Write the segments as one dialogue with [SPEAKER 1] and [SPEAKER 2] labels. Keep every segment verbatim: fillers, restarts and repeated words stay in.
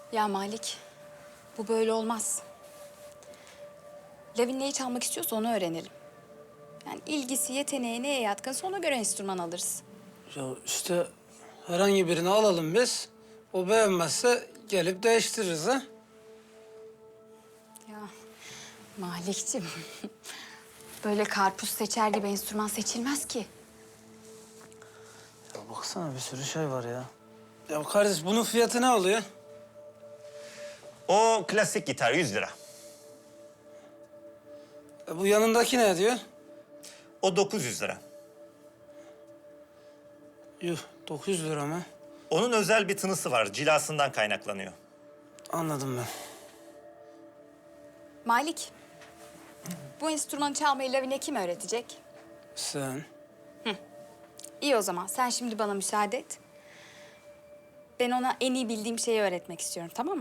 [SPEAKER 1] Ya Malik, bu böyle olmaz. Lavin neyi çalmak istiyorsa onu öğrenelim. Yani ilgisi, yeteneği neye yatkınsa ona göre enstrüman alırız.
[SPEAKER 2] Ya işte herhangi birini alalım biz. O beğenmezse gelip değiştiririz ha.
[SPEAKER 1] Ya Malikciğim, böyle karpuz seçer gibi enstrüman seçilmez ki.
[SPEAKER 2] Ya baksana bir sürü şey var ya. Ya kardeş bunun fiyatı ne oluyor?
[SPEAKER 3] O klasik gitar yüz lira.
[SPEAKER 2] E, bu yanındaki ne diyor?
[SPEAKER 3] O dokuz yüz lira.
[SPEAKER 2] Yuh dokuz yüz lira mı?
[SPEAKER 3] Onun özel bir tınısı var. Cilasından kaynaklanıyor.
[SPEAKER 2] Anladım ben.
[SPEAKER 1] Malik, bu enstrümanı çalmayı Lavin'e kim öğretecek?
[SPEAKER 2] Sen.
[SPEAKER 1] İyi o zaman, sen şimdi bana müsaade et. Ben ona en iyi bildiğim şeyi öğretmek istiyorum, tamam mı?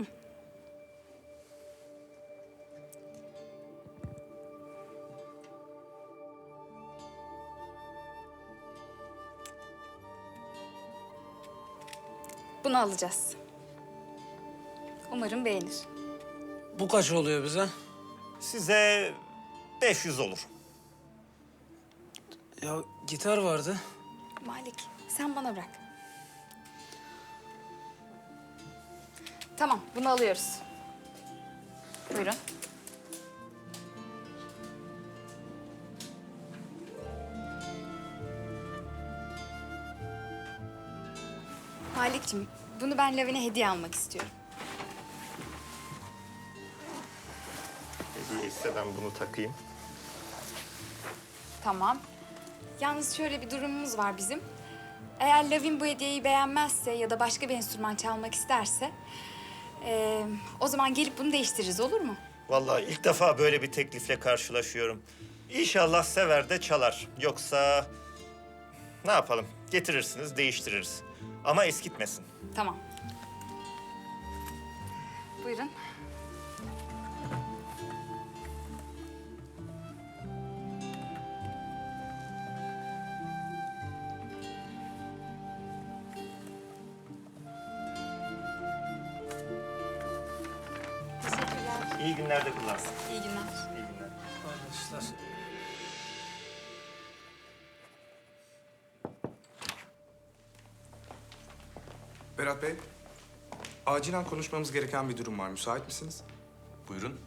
[SPEAKER 1] Bunu alacağız. Umarım beğenir.
[SPEAKER 2] Bu kaç oluyor bize?
[SPEAKER 3] Size beş yüz olur.
[SPEAKER 2] Ya gitar vardı.
[SPEAKER 1] Malik, sen bana bırak. Tamam, bunu alıyoruz. Buyurun. Malikciğim, bunu ben Lavin'e hediye almak istiyorum.
[SPEAKER 3] Hediye ise ben bunu takayım.
[SPEAKER 1] Tamam. Yalnız şöyle bir durumumuz var bizim. Eğer Lavin bu hediyeyi beğenmezse ya da başka bir enstrüman çalmak isterse... eee, o zaman gelip bunu değiştiririz, olur mu?
[SPEAKER 3] Vallahi ilk defa böyle bir teklifle karşılaşıyorum. İnşallah sever de çalar. Yoksa ne yapalım? Getirirsiniz, değiştiririz. Ama eskitmesin.
[SPEAKER 1] Tamam. Buyurun. Teşekkürler.
[SPEAKER 3] İyi günlerde kullansın.
[SPEAKER 1] İyi günler.
[SPEAKER 3] İyi günler.
[SPEAKER 2] Arkadaşlar.
[SPEAKER 4] Berat Bey, acilen konuşmamız gereken bir durum var. Müsait misiniz?
[SPEAKER 5] Buyurun.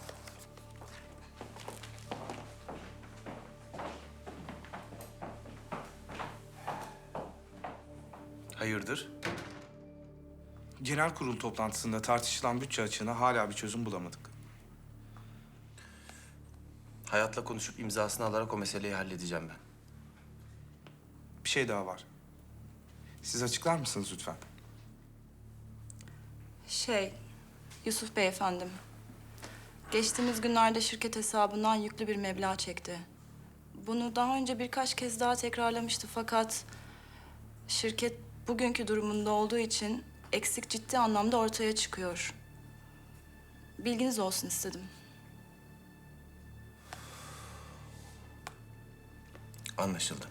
[SPEAKER 5] Hayırdır?
[SPEAKER 4] Genel kurul toplantısında tartışılan bütçe açığına hala bir çözüm bulamadık.
[SPEAKER 5] Hayat'la konuşup imzasını alarak o meseleyi halledeceğim ben.
[SPEAKER 4] Bir şey daha var. Siz açıklar mısınız lütfen?
[SPEAKER 6] Şey, Yusuf Bey efendim. Geçtiğimiz günlerde şirket hesabından yüklü bir meblağ çekti. Bunu daha önce birkaç kez daha tekrarlamıştı fakat... ...şirket bugünkü durumunda olduğu için eksik ciddi anlamda ortaya çıkıyor. Bilginiz olsun istedim.
[SPEAKER 5] Anlaşıldı.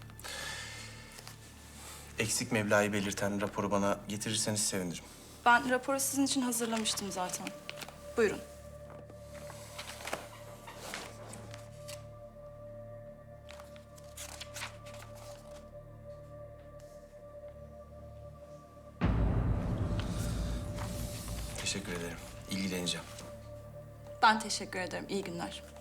[SPEAKER 5] Eksik meblağı belirten raporu bana getirirseniz sevinirim.
[SPEAKER 6] Ben raporu sizin için hazırlamıştım zaten. Buyurun.
[SPEAKER 5] Teşekkür ederim. İlgileneceğim.
[SPEAKER 6] Ben teşekkür ederim. İyi günler.